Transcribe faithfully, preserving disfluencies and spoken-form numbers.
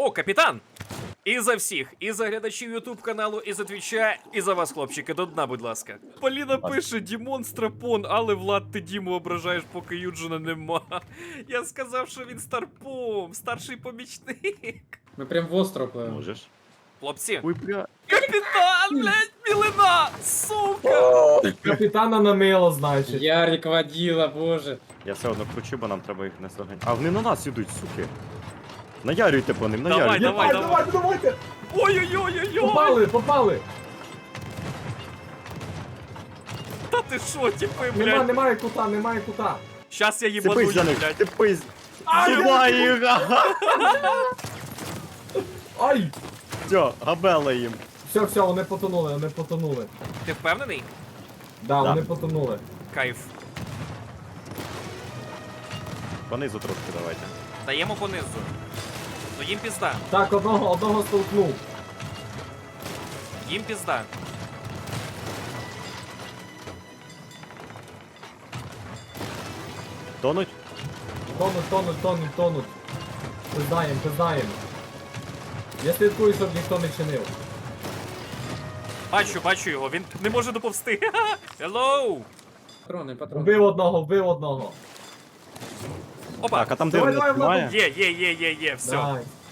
О, капітан! І за всіх, і за глядачів ютуб каналу, і за твіча, і за вас, хлопчики, до дна, будь ласка. Поліна пише: Дімон Страпон, але Влад, ти Діму ображаєш, поки Юджина нема. Я сказав, що він старпом, старший помічник. Ми прям в остров пливемо. Можеш. Хлопці, Ой, бля. капітан, блядь, білина, сука! Капітана намило, значить. Ярик водила, боже. Я все одно кручу, бо нам треба їх не здоганяти. А вони на нас ідуть, суки. Наярюйте по ним, Давай, наярюйте. давай, Давай, давай, давайте! Ой-ой-ой-ой-ой! Попали, попали! Та ти шо, типи, Нема, блядь? немає кута, немає кута. Щас я їбану Цепись за їх, них, блядь. цепись. Ай, Сюди їх! Ай! Все, габела їм. Все, все, вони потонули, вони потонули. Ти впевнений? Да, Да. вони потонули. Кайф. Понизу трошки давайте. Даємо понизу. Ну їм пізда, Так, одного, одного столкнув. їм пізда. Тонуть? Тонуть, тонуть, тонуть, тонуть. Пиздаєм, пиздаєм. Я слідкую, щоб ніхто не чинив. Бачу, бачу його, він не може доповсти. Hello! Патрони, патрони. Вбив одного, вбив одного. Опа! Так, а там Давай, дивно давай, немає. Є, є, є, є, є, все. Дай.